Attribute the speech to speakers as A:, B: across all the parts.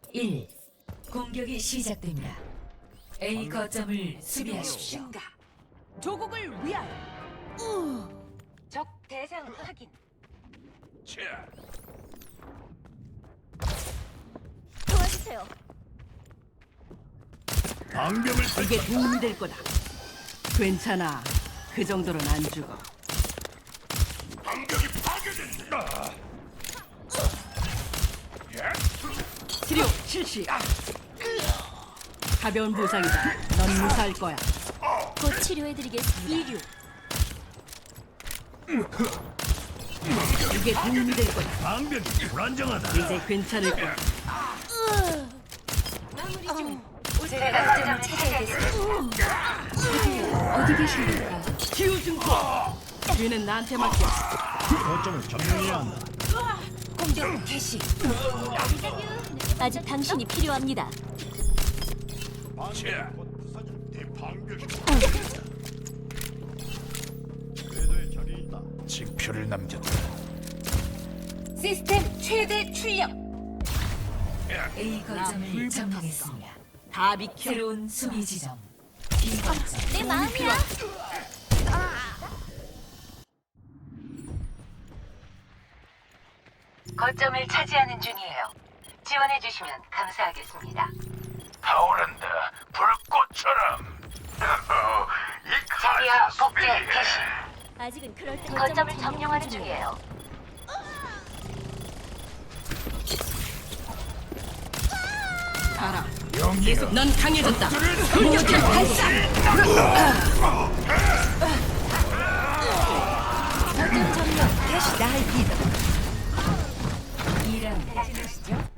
A: 1. 공격이 시작됩니다. A 거점을 수비하십시오.
B: 조국을 위하여.
C: 적 대상 확인.
B: 도와주세요.
D: 방벽을
B: 이게 도움이 될 거다. 괜찮아. 그 정도는 안 죽어.
D: 방벽이 파괴된다.
B: 치료 실시. 가벼운 부상이다. 넌 무사할 거야.
C: 곧 치료해드리겠습니다.
B: 이류. 이게 도움이 될 거다.
D: 방벽이 불안정하다.
B: 이제 괜찮을 거야.
C: 제가 거점을 차지하겠습니다.
A: 어디 계십니까?
B: 치유 증폭. 뒤는 나한테 맡겨.
D: 거점을 점령해야 한다.
C: 공격 개시. 아직 당신이 필요합니다.
D: 내 방벽이 궤도에 적이 있다. 징표를 남겼다.
C: 시스템 최대 출력.
A: A 거점을 점령했습니다.
B: 다 비켜.
A: 새로운 수비 지점. B 거점.
C: 내 마음이야.
E: 거점을 차지하는 중이에요. 지원해 주시면 감사하겠습니다.
D: 타오른다. 불꽃처럼. 이
E: 자리야 복제 개시.
C: 아직은 그럴 때
E: 거점을 점령하는 중이에요.
B: 가라.
D: 영이가
B: 넌 강해졌다. 공격해 발사.
C: 거점 점령 개시.
B: 날 믿어.
A: 2라운드 진행시죠.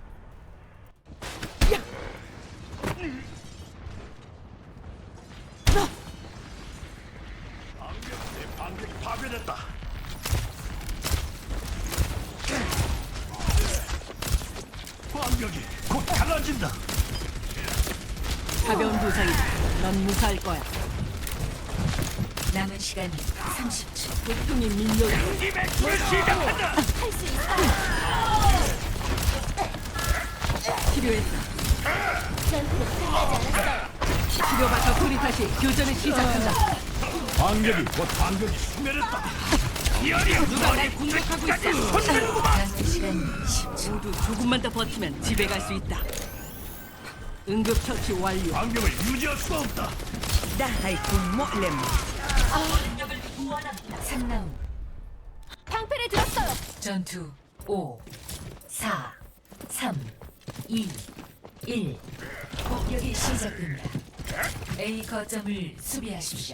D: 내 방벽이 파괴됐다. 방벽이 곧 갈라진다.
B: 가벼운 부상이다. 넌 무사할 거야.
A: 남은 시간 30초.
B: 고통이 밀려라.
D: 이맥을 시작한다.
B: 치료했다.
C: 전투는 끝나지 않았어요.
B: 치료받아 우리 다시 교전을 시작한다.
D: 방벽이 곧 방벽이 소멸했다.
B: 누가 날 공격하고 있어?
A: 남은 시간 10초.
B: 모두 조금만 더 버티면 집에 갈 수 있다. 응급처치 완료.
D: 방벽을 유지할 수 없다.
B: 나의 군모렘.
A: 3라운드.
C: 방패를 들었어요.
A: 전투 5, 4, 3, 2, 1. 공격이 시작됩니다. A 거점을 수비하십시오.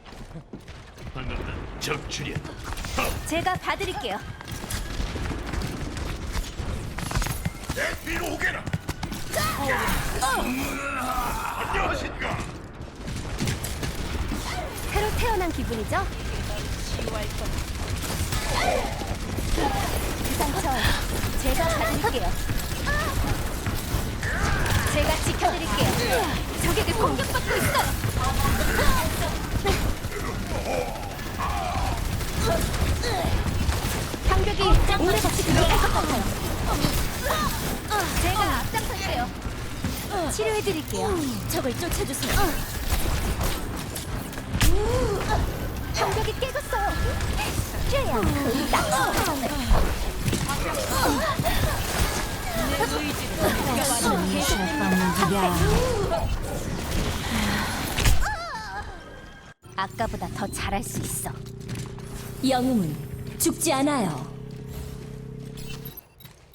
D: 적출이야.
C: 제가 봐드릴게요.
D: 내 뒤로 오게라. 안녕하십니까.
C: 새로 태어난 기분이죠? 그 상처 제가 봐드릴게요. 제가 지켜드릴게요. 적에게 공격받고 있어요. 방벽이 오래같이 들어갈 것 같아요. 제가 앞장설게요. 치료해드릴게요. 적을 쫓아주세요. 방벽이 깨졌어요. 쬐야 아까보다 더 잘할 수 있어. 영웅은 죽지 않아요.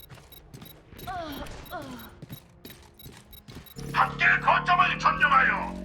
D: 함께 거점을 점령하여